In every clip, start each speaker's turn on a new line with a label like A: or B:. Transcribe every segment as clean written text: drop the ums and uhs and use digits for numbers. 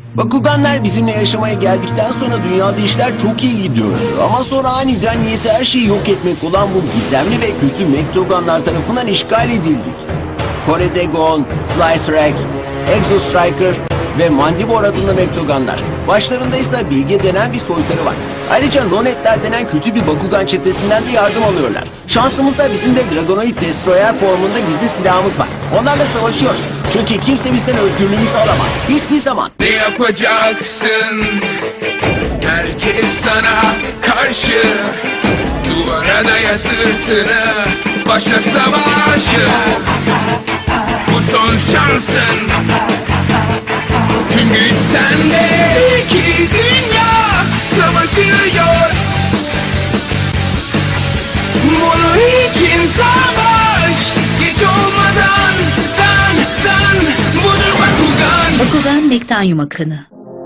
A: Bakuganlar bizimle yaşamaya geldikten sonra dünyada işler çok iyi gidiyordu. Ama sonra aniden niyeti her şeyi yok etmek olan bu gizemli ve kötü Mektoganlar tarafından işgal edildik. Kore'de Gon, Slice Rack, Exo Striker ve Mandibor adında Mektoganlar. Başlarında ise Bilge denen bir soytarı var. Ayrıca Nonetler denen kötü bir Bakugan çetesinden de yardım alıyorlar. Şansımızsa bizim de Dragonoid Destroyer formunda gizli silahımız var. Onlarla savaşıyoruz. Çünkü kimse bizden özgürlüğümüzü alamaz. Hiçbir zaman.
B: Ne yapacaksın? Herkes sana karşı. Duvara daya sırtını. Başla savaşı. Bu son şansın. Tüm güç sende. İki dünya savaşıyor. Bunun için savaş. Geç olmadan dan budur Bakugan.
C: Bakugan Mektanyum akını.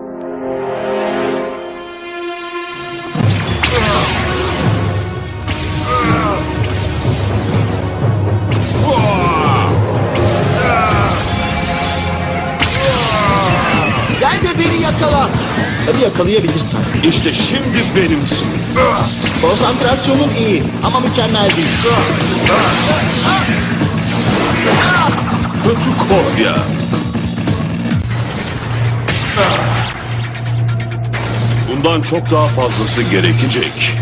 D: Sen de beni yakala. Tabii yakalayabilirsen.
E: İşte şimdi benimsin.
D: Konsantrasyonun iyi ama mükemmel değil.
E: Kötü kopya. Bundan çok daha fazlası gerekecek.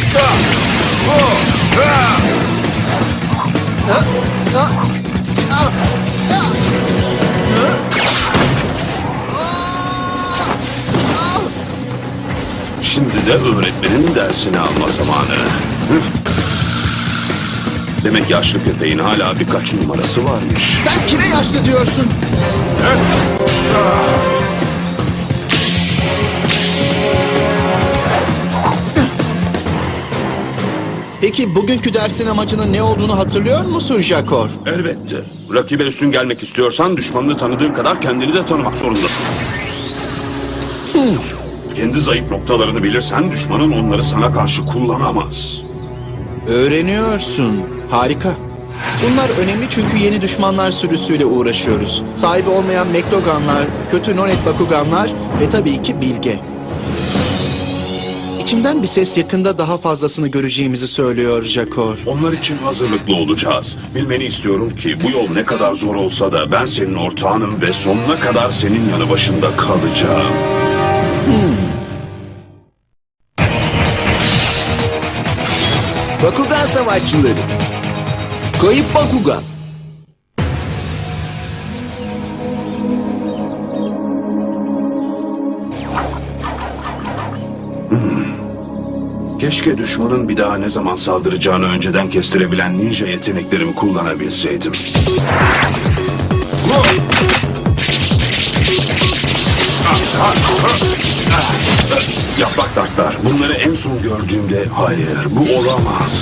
E: Şimdi de öğretmenin dersini alma zamanı. Demek yaşlı köpeğin hala birkaç numarası varmış.
D: Sen kime yaşlı diyorsun? Peki bugünkü dersin amacının ne olduğunu hatırlıyor musun Jakor?
E: Elbette. Rakibe üstün gelmek istiyorsan düşmanını tanıdığın kadar kendini de tanımak zorundasın. Kendi zayıf noktalarını bilirsen düşmanın onları sana karşı kullanamaz.
D: Öğreniyorsun. Harika. Bunlar önemli çünkü yeni düşmanlar sürüsüyle uğraşıyoruz. Sahibi olmayan Mektoganlar, kötü Nonet Bakuganlar ve tabii ki Bilge. İçimden bir ses yakında daha fazlasını göreceğimizi söylüyor Jakor.
E: Onlar için hazırlıklı olacağız. Bilmeni istiyorum ki bu yol ne kadar zor olsa da ben senin ortağınım ve sonuna kadar senin yanı başında kalacağım.
A: Bakugan savaşçıları. Kayıp Bakugan.
E: Keşke düşmanın bir daha ne zaman saldıracağını önceden kestirebilen ninja yeteneklerimi kullanabilseydim. Yaprak dartlar. Bunları en son gördüğümde hayır bu olamaz.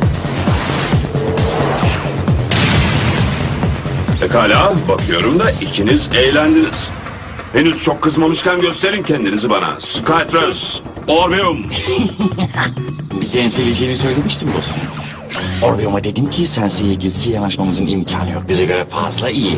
E: Pekala bakıyorum da ikiniz eğlendiniz. Henüz çok kızmamışken gösterin kendinizi bana. Skytrus, Orbeum.
F: Bizi enseleyeceğini söylemiştim dostum. Orbeum'a dedim ki Sensei'ye gizlice yanaşmamızın imkanı yok. Bize göre fazla iyi.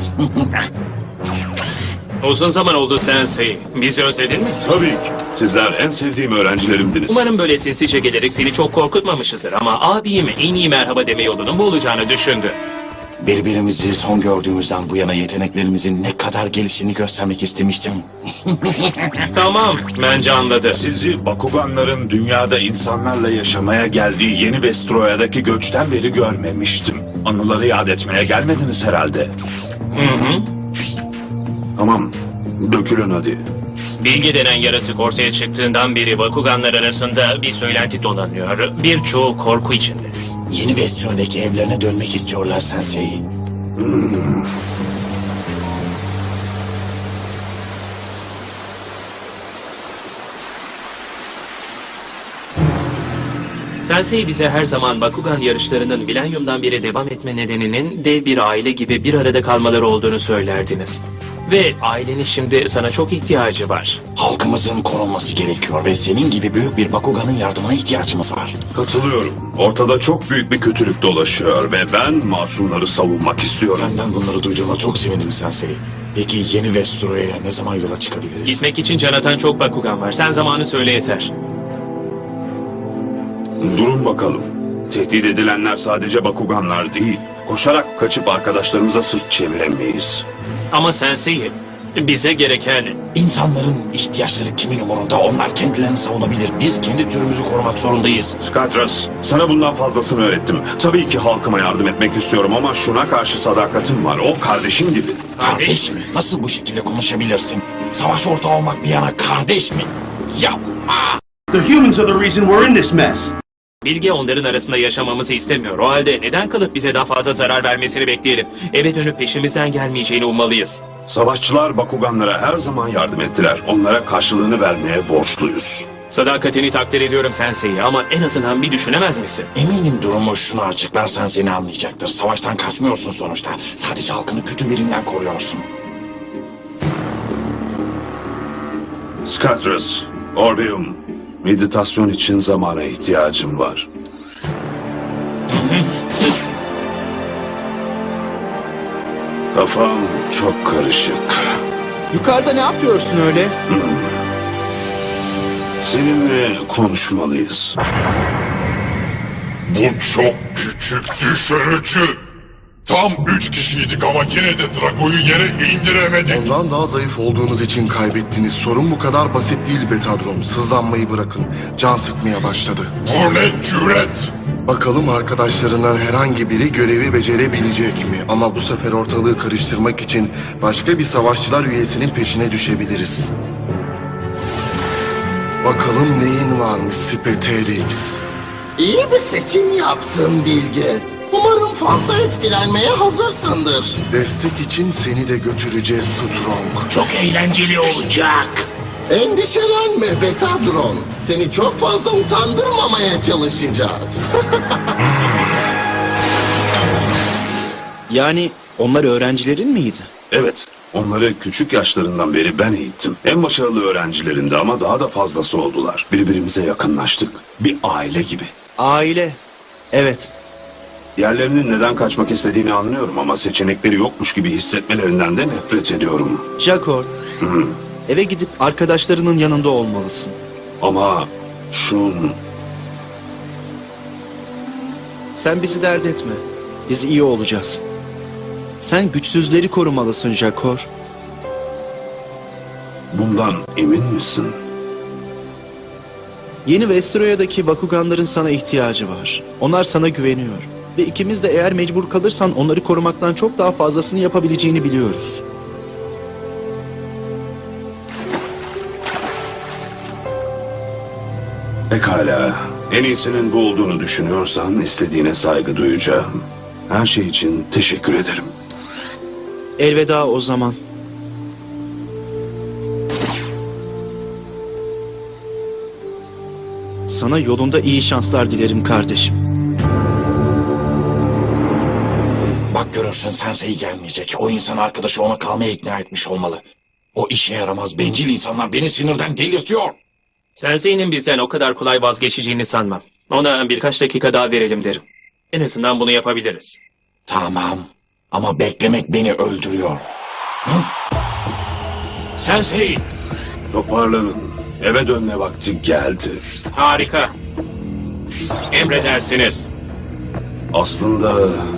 G: Uzun zaman oldu Sensei. Bizi özledin mi?
E: Tabii ki. Sizler en sevdiğim öğrencilerimdiniz.
G: Umarım böyle sinsice gelerek seni çok korkutmamışızdır ama abime en iyi merhaba deme yolunun bu olacağını düşündü.
F: Birbirimizi son gördüğümüzden bu yana yeteneklerimizin ne kadar geliştiğini göstermek istemiştim.
G: Tamam, bence anladı.
H: Sizi Bakuganların dünyada insanlarla yaşamaya geldiği yeni Vestroya'daki göçten beri görmemiştim. Anıları yad etmeye gelmediniz herhalde.
E: Tamam. Dökülün hadi.
G: Bilge denen yaratık ortaya çıktığından beri Bakuganlar arasında bir söylenti dolanıyor. Birçoğu korku içinde.
F: Yeni Vestroya'daki evlerine dönmek istiyorlar Sensei.
G: Sensei bize her zaman Bakugan yarışlarının milenyumdan beri devam etme nedeninin dev bir aile gibi bir arada kalmaları olduğunu söylerdiniz. Ve ailenin şimdi sana çok ihtiyacı var.
F: Halkımızın korunması gerekiyor ve senin gibi büyük bir Bakugan'ın yardımına ihtiyacımız var.
E: Katılıyorum. Ortada çok büyük bir kötülük dolaşıyor ve ben masumları savunmak istiyorum.
F: Senden bunları duyduğuma çok sevindim Sensei. Peki yeni Vestroya'ya ne zaman yola çıkabiliriz?
G: Gitmek için can atan çok Bakugan var. Sen zamanı söyle yeter.
E: Durun bakalım. Tehdit edilenler sadece Bakuganlar değil. Koşarak kaçıp arkadaşlarımıza sırt çeviremeyiz.
G: Ama Sensei, bize gereken...
F: İnsanların ihtiyaçları kimin umurunda? Onlar kendilerini savunabilir. Biz kendi türümüzü korumak zorundayız.
E: Skatras, sana bundan fazlasını öğrettim. Tabii ki halkıma yardım etmek istiyorum ama şuna karşı sadakatim var. O kardeşim gibi.
F: Kardeş mi? Nasıl bu şekilde konuşabilirsin? Savaş ortağı olmak bir yana kardeş mi? Yapma!
C: The humans are the reason we're in this mess.
G: Bilge onların arasında yaşamamızı istemiyor. O halde neden kalıp bize daha fazla zarar vermesini bekleyelim? Eve dönüp peşimizden gelmeyeceğini ummalıyız.
E: Savaşçılar Bakuganlara her zaman yardım ettiler. Onlara karşılığını vermeye borçluyuz.
G: Sadakatini takdir ediyorum Sensei ama en azından bir düşünemez misin?
F: Eminim durumu şunu açıklarsan seni anlayacaktır. Savaştan kaçmıyorsun sonuçta. Sadece halkını kötü birinden koruyorsun.
E: Skatras, Orbeum, meditasyon için zamana ihtiyacım var. Kafam çok karışık.
D: Yukarıda ne yapıyorsun öyle?
E: Seninle konuşmalıyız.
I: Bu çok küçük düşürücü. Tam 3 kişiydik ama yine de Drago'yu yere indiremedik.
J: Ondan daha zayıf olduğunuz için kaybettiniz. Sorun bu kadar basit değil Betadron. Sızlanmayı bırakın. Can sıkmaya başladı.
I: Bu ne cüret?
J: Bakalım arkadaşlarından herhangi biri görevi becerebilecek mi? Ama bu sefer ortalığı karıştırmak için başka bir savaşçılar üyesinin peşine düşebiliriz. Bakalım neyin varmış Speterix.
K: İyi bir seçim yaptın Bilge. Umarım fazla etkilenmeye hazırsındır.
J: Destek için seni de götüreceğiz Strong.
F: Çok eğlenceli olacak.
K: Endişelenme Betadron. Seni çok fazla utandırmamaya çalışacağız.
D: Yani onlar öğrencilerin miydi?
E: Evet, onları küçük yaşlarından beri ben eğittim. En başarılı öğrencilerindi ama daha da fazlası oldular. Birbirimize yakınlaştık. Bir aile gibi.
D: Aile. Evet.
E: Yerlerinin neden kaçmak istediğini anlıyorum ama seçenekleri yokmuş gibi hissetmelerinden de nefret ediyorum.
D: Jakor. Eve gidip arkadaşlarının yanında olmalısın.
E: Ama Shun,
D: Sen bizi dert etme. Biz iyi olacağız. Sen güçsüzleri korumalısın Jakor.
E: bundan emin misin?
D: Yeni Vestroya'daki Bakuganların sana ihtiyacı var. Onlar sana güveniyor. Ve ikimiz de eğer mecbur kalırsan onları korumaktan çok daha fazlasını yapabileceğini biliyoruz.
E: Pekala. En iyisinin bu olduğunu düşünüyorsan istediğine saygı duyacağım. Her şey için teşekkür ederim.
D: Elveda o zaman. Sana yolunda iyi şanslar dilerim kardeşim.
F: Bak görürsün Sensei gelmeyecek. O insan arkadaşı ona kalmaya ikna etmiş olmalı. O işe yaramaz bencil insanlar beni sinirden delirtiyor.
G: Sensei'nin bizden o kadar kolay vazgeçeceğini sanmam. Ona birkaç dakika daha verelim derim. En azından bunu yapabiliriz.
F: Tamam ama beklemek beni öldürüyor. Hı? Sensei!
E: Toparlanın. Eve dönme vakti geldi.
G: Harika. Emredersiniz.
E: Aslında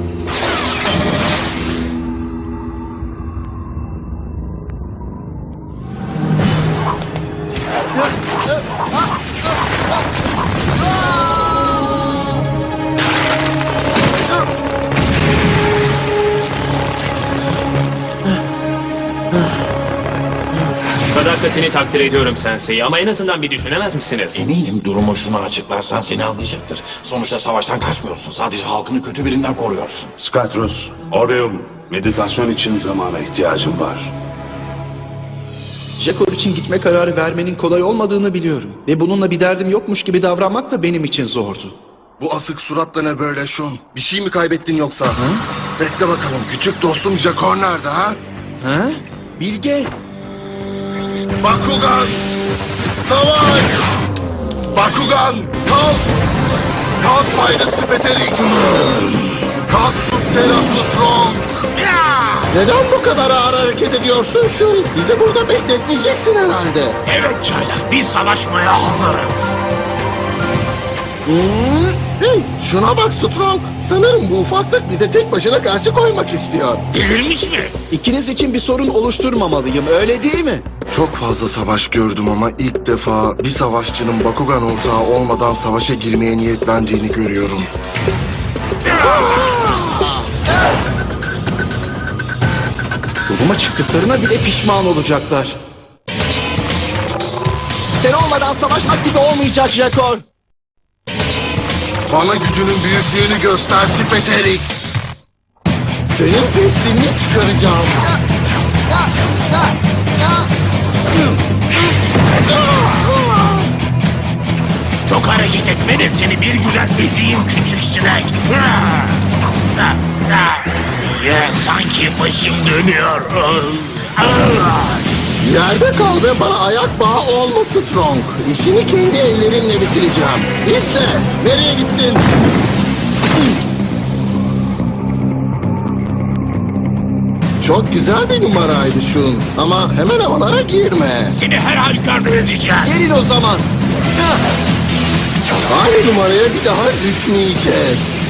G: Sadakatini takdir ediyorum Sensei ama en azından bir düşünemez misiniz?
F: Eminim durumu şunu açıklarsan seni anlayacaktır. Sonuçta savaştan kaçmıyorsun. Sadece halkını kötü birinden koruyorsun.
E: Skatros, Orbeum, meditasyon için zamana ihtiyacım var.
D: Jakor için gitme kararı vermenin kolay olmadığını biliyorum. Ve bununla bir derdim yokmuş gibi davranmak da benim için zordu.
J: Bu asık suratla ne böyle Shun? Bir şey mi kaybettin yoksa? Bekle bakalım küçük dostum Jakor nerede ha?
D: Ha? Bilge.
J: Bakugan! Savaş! Bakugan! Kalk! Kalk Pirate Speterix! Kalk Subterra Strong!
K: Neden bu kadar ağır hareket ediyorsun Şun? Bizi burada bekletmeyeceksin herhalde.
H: Evet çaylak, biz savaşmaya hazırız.
K: Hey, şuna bak Strong. Sanırım bu ufaklık bize tek başına karşı koymak istiyor.
H: Delirmiş mi?
D: İkiniz için bir sorun oluşturmamalıyım, öyle değil mi?
J: Çok fazla savaş gördüm ama ilk defa bir savaşçının Bakugan ortağı olmadan savaşa girmeye niyetlendiğini görüyorum.
D: Yoluma çıktıklarına bile pişman olacaklar. Sen olmadan savaşmak gibi olmayacak Jakor.
J: Bana gücünün büyüklüğünü göster Spiderix.
K: Senin pestilini çıkaracağım.
H: Çok hareket etme de seni bir güzel ezeyim küçük sinek. Sanki başım dönüyor.
K: Yerde kal ve bana ayak bağı olma Strong. İşini kendi ellerimle bitireceğim. İşte, nereye gittin? Çok güzel bir numaraydı Şun. Ama hemen havalara girme.
H: Seni her halükarda ezeceğim.
D: Gelin o zaman.
K: Aynı numaraya bir daha düşmeyeceğiz.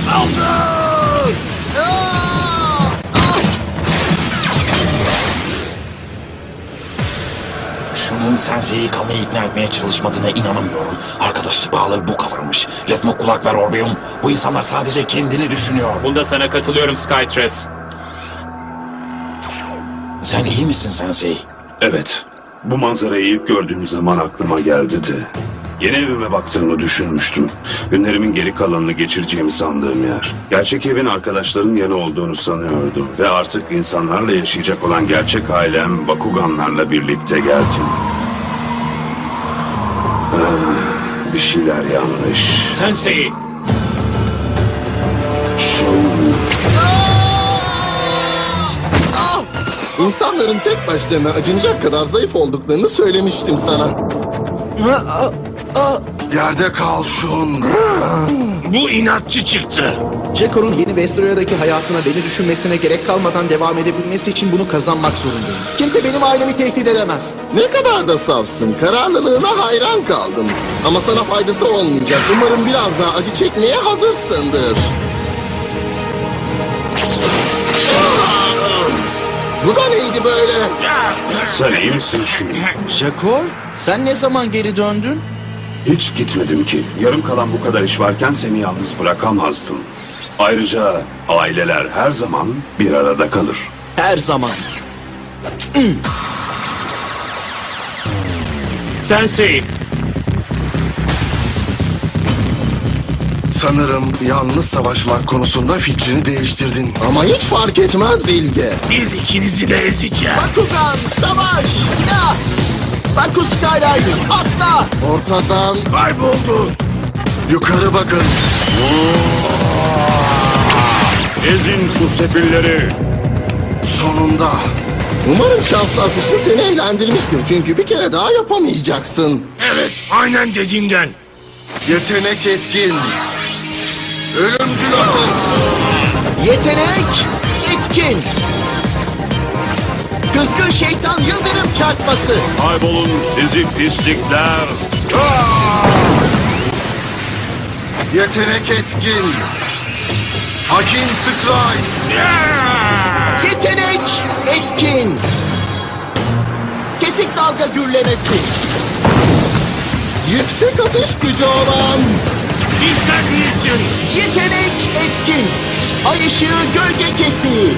F: Şunun Sensei'yi yıkamayı ikna etmeye çalışmadığına inanamıyorum. Arkadaşlık bağları bu kavurmuş. Lafıma kulak ver Orbeum. Bu insanlar sadece kendini düşünüyor.
G: Bunda sana katılıyorum Skytres.
F: Sen iyi misin Sensei?
E: Evet. Bu manzarayı ilk gördüğüm zaman aklıma geldi de. Yeni evime baktığımı düşünmüştüm. Günlerimin geri kalanını geçireceğimi sandığım yer. Gerçek evin arkadaşların yanı olduğunu sanıyordum. Ve artık insanlarla yaşayacak olan gerçek ailem Bakuganlarla birlikte geldim. Bir şeyler yanlış.
G: Sensei.
K: İnsanların tek başlarına acınacak kadar zayıf olduklarını söylemiştim sana.
J: Yerde kal Şun.
H: Bu inatçı çıktı.
D: Jakor'un yeni Vestroya'daki hayatına beni düşünmesine gerek kalmadan devam edebilmesi için bunu kazanmak zorundayım. Kimse benim ailemi tehdit edemez.
K: Ne kadar da safsın. Kararlılığına hayran kaldım. Ama sana faydası olmayacak. Umarım biraz daha acı çekmeye hazırsındır. Bu da neydi böyle?
E: Sen iyi misin şimdi?
D: Jakor, sen ne zaman geri döndün?
E: Hiç gitmedim ki. Yarım kalan bu kadar iş varken seni yalnız bırakamazdım. Ayrıca aileler her zaman bir arada kalır.
D: Her zaman.
G: Sensei.
J: Sanırım yalnız savaşmak konusunda fikrini değiştirdin.
K: Ama hiç fark etmez Bilge.
H: Biz ikinizi de ezeceğiz.
D: Bakugan, savaş! Ya! Baku Skyrider, atla!
K: Ortadan
H: Kayboldu.
J: Yukarı bakın.
E: Ezin şu sefilleri.
J: Sonunda.
K: umarım şanslı atışın seni eğlendirmiştir. Çünkü bir kere daha yapamayacaksın.
H: Evet, aynen dediğinden.
J: Yetenek etkin. Ölümcül atış.
D: Yetenek, etkin! Kızgın şeytan yıldırım çarpması!
E: Kaybolun sizi pislikler.
J: Yetenek etkin. Hakim Strike.
D: Yetenek, etkin! Kesik dalga gürlemesi!
K: Yüksek atış gücü olan
H: Bizden iyisin.
D: Yetenek, etkin! Ay ışığı gölge kesiği!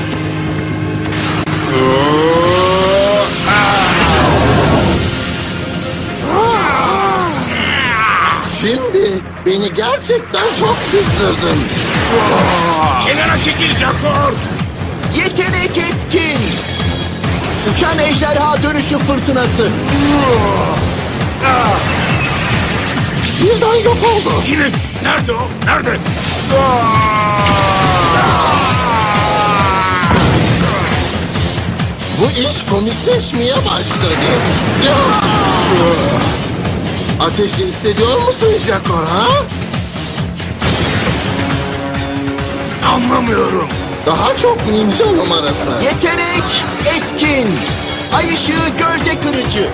K: şimdi beni gerçekten çok kızdırdın.
H: Kenara çekil Jakor.
D: Yetenek, etkin! Uçan ejderha dönüşü fırtınası!
K: Birden yok oldu.
H: Yine nerede o? Nerede?
K: Bu iş komikleşmeye başladı. Ateşi hissediyor musun Jakor ha?
H: Anlamıyorum.
K: Daha çok ninja numarası.
D: Yetenek etkin. Ay ışığı gölge kırıcı.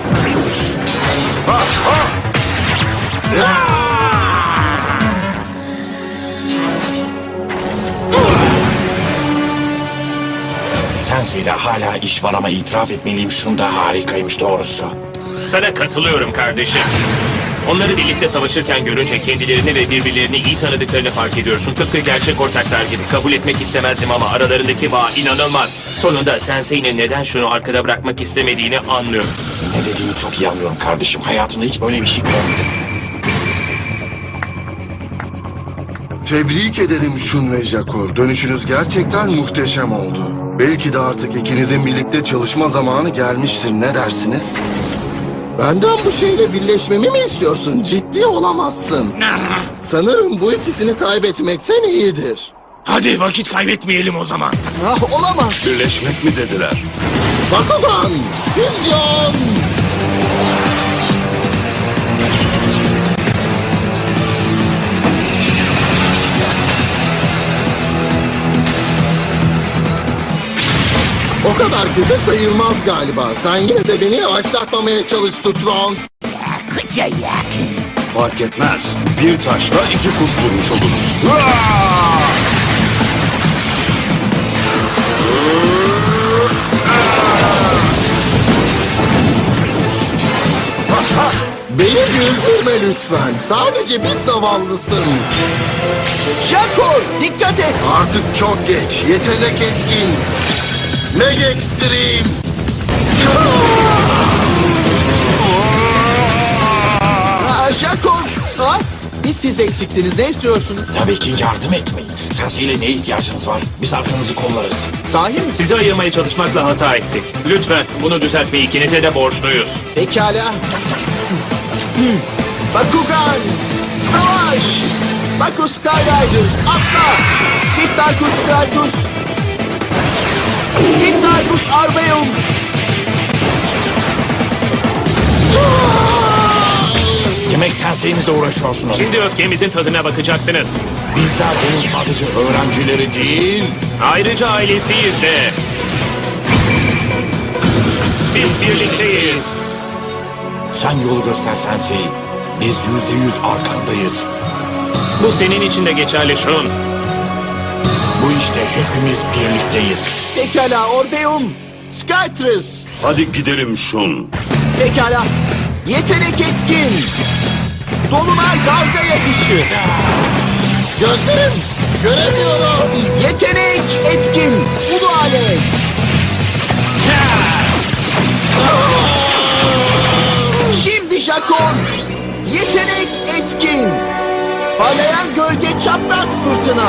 F: Sensei'de hala iş var ama itiraf etmeliyim, şunda harikaymış doğrusu.
G: Sana katılıyorum kardeşim. Onları birlikte savaşırken görünce kendilerini ve birbirlerini iyi tanıdıklarını fark ediyorsun. Tıpkı gerçek ortaklar gibi. Kabul etmek istemezdim ama aralarındaki bağ inanılmaz. Sonunda Sensei'nin neden şunu arkada bırakmak istemediğini anlıyorum.
F: Ne dediğini çok iyi anlıyorum kardeşim. Hayatımda hiç böyle bir şey görmedim.
J: Tebrik ederim Shun ve Jako. Dönüşünüz gerçekten muhteşem oldu. Belki de artık ikinizin birlikte çalışma zamanı gelmiştir. Ne dersiniz?
K: Benden bu şeyle birleşmemi mi istiyorsun? Ciddi olamazsın. Sanırım bu ikisini kaybetmekten iyidir.
H: Hadi vakit kaybetmeyelim o zaman.
D: Ah, olamaz.
E: Birleşmek mi dediler?
K: Bakugan, vizyon! O kadar kötü sayılmaz galiba. Sen yine de beni yavaşlatmamaya çalış Strong.
E: Fark etmez. Bir taşla iki kuş vurmuş oluruz.
K: Beni güldürme lütfen. Sadece bir zavallısın.
D: Jakor, dikkat et.
J: Artık çok geç. Yetenek etkin. Mega Extreme.
D: Jakor. Ha? Biz siz eksiktiniz. Ne istiyorsunuz?
F: Tabii ki yardım etmeyin. Sensei'yle neye ihtiyacınız var? Biz arkanızı kollarız.
D: Sahi mi?
G: Sizi ayırmaya çalışmakla hata ettik. Lütfen bunu düzeltmeyi ikinize de borçluyuz.
D: Pekala. Bakugan, savaş! Baku Skyriders, atla! Diktarkus Stratus! Diktarkus Arbeum!
F: Demek Sensei'mizle uğraşıyorsunuz.
G: Şimdi öfkemizin tadına bakacaksınız.
F: Bizler onun sadece öğrencileri değil...
G: Ayrıca ailesiyiz de. Biz birlikteyiz.
F: Sen yolu göster Sensei. Biz %100 arkandayız.
G: Bu senin için de geçerli Shun.
F: Bu işte hepimiz birlikteyiz.
D: Pekala Orbeum, Skytrus!
E: Hadi gidelim Shun.
D: Pekala, yetenek etkin! Dolunay dalga yapışı!
K: Gözlerim, göremiyorum.
D: Yetenek etkin! Ulu alev! Şimdi Jakon! Yetenek etkin! Parlayan gölge çapraz fırtına!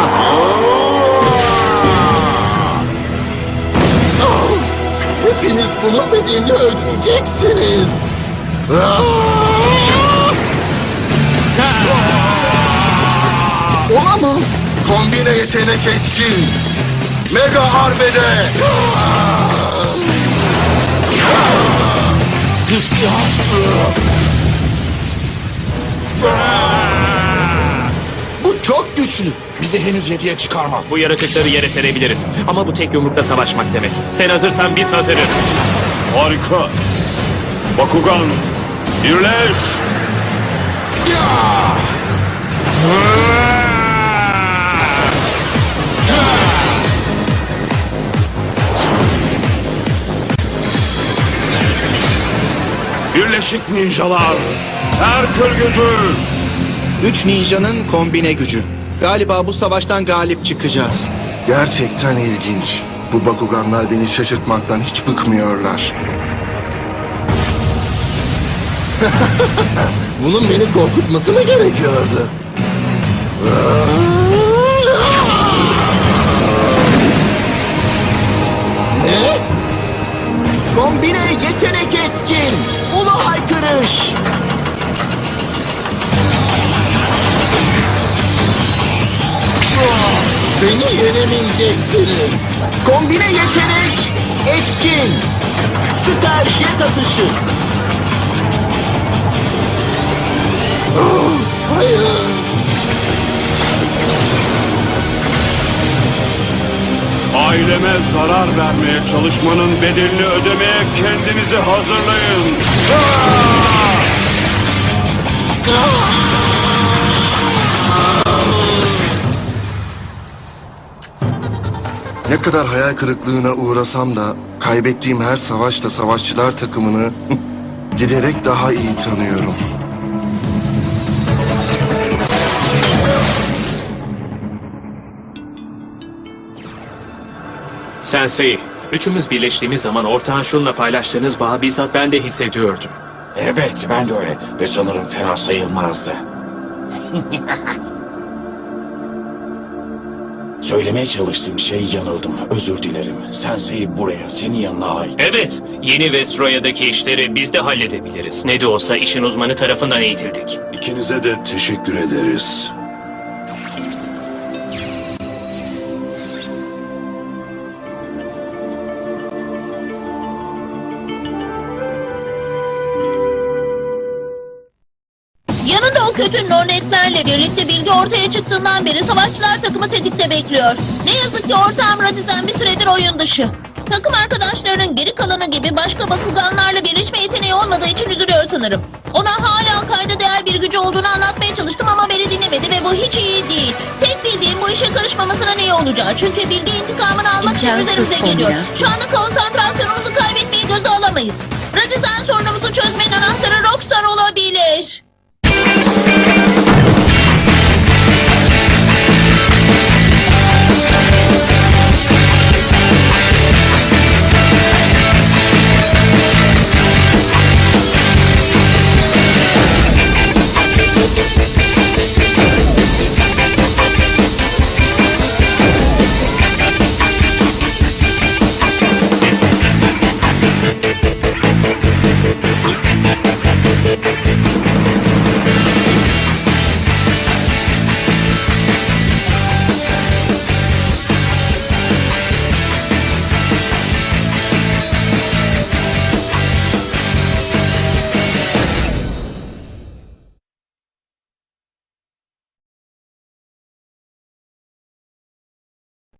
K: Oh, hepiniz bunun bedelini ödeyeceksiniz.
D: Olamaz!
J: Kombine yetenek etkin. Mega Arbede.
D: Bu çok güçlü!
F: Bizi henüz 7'ye çıkarma.
G: Bu yaratıkları yere serebiliriz. Ama bu tek yumrukla savaşmak demek. Sen hazırsan biz hazırız.
E: Harika. Bakugan, birleş. Birleşik ninjalar. Herkül gücü.
D: 3 ninjanın kombine gücü. Galiba bu savaştan galip çıkacağız.
J: Gerçekten ilginç. Bu Bakuganlar beni şaşırtmaktan hiç bıkmıyorlar.
K: Bunun beni korkutması mı gerekiyordu? Ne?
D: Kombine yetenek etkin! Ulu haykırış!
K: Beni yenemeyeceksiniz.
D: Kombine yetenek etkin! Süper jet atışı!
K: Hayır.
E: Aleme zarar vermeye çalışmanın bedelini ödemeye kendinizi hazırlayın.
J: Ne kadar hayal kırıklığına uğrasam da kaybettiğim her savaşta savaşçılar takımını giderek daha iyi tanıyorum.
G: Sensei, üçümüz birleştiğimiz zaman ortağın şunla paylaştığınız bağı bizzat ben de hissediyordum.
F: Evet, ben de öyle. Ve sanırım fena sayılmazdı. Söylemeye çalıştığım şey yanıldım. Özür dilerim. Sensei buraya, senin yanına ait.
G: Evet, yeni Vestroya'daki işleri biz de halledebiliriz. Ne de olsa işin uzmanı tarafından eğitildik.
E: İkinize de teşekkür ederiz.
L: Yanında o kötü nonetlerle birlikte bilgi ortaya çıktığından beri savaşçılar takımı tetikte bekliyor. Ne yazık ki ortağım Radizan bir süredir oyun dışı. Takım arkadaşlarının geri kalanı gibi başka Bakuganlarla birleşme yeteneği olmadığı için üzülüyor sanırım. Ona hala kayda değer bir gücü olduğunu anlatmaya çalıştım ama beni dinlemedi ve bu hiç iyi değil. Tek bildiğim bu işe karışmamasının iyi olacağı. Çünkü bilgi intikamını almak için
M: İmkansız
L: üzerimize geliyor.
M: kombinasyon.
L: Şu anda konsantrasyonumuzu kaybetmeyi göze alamayız. Radizan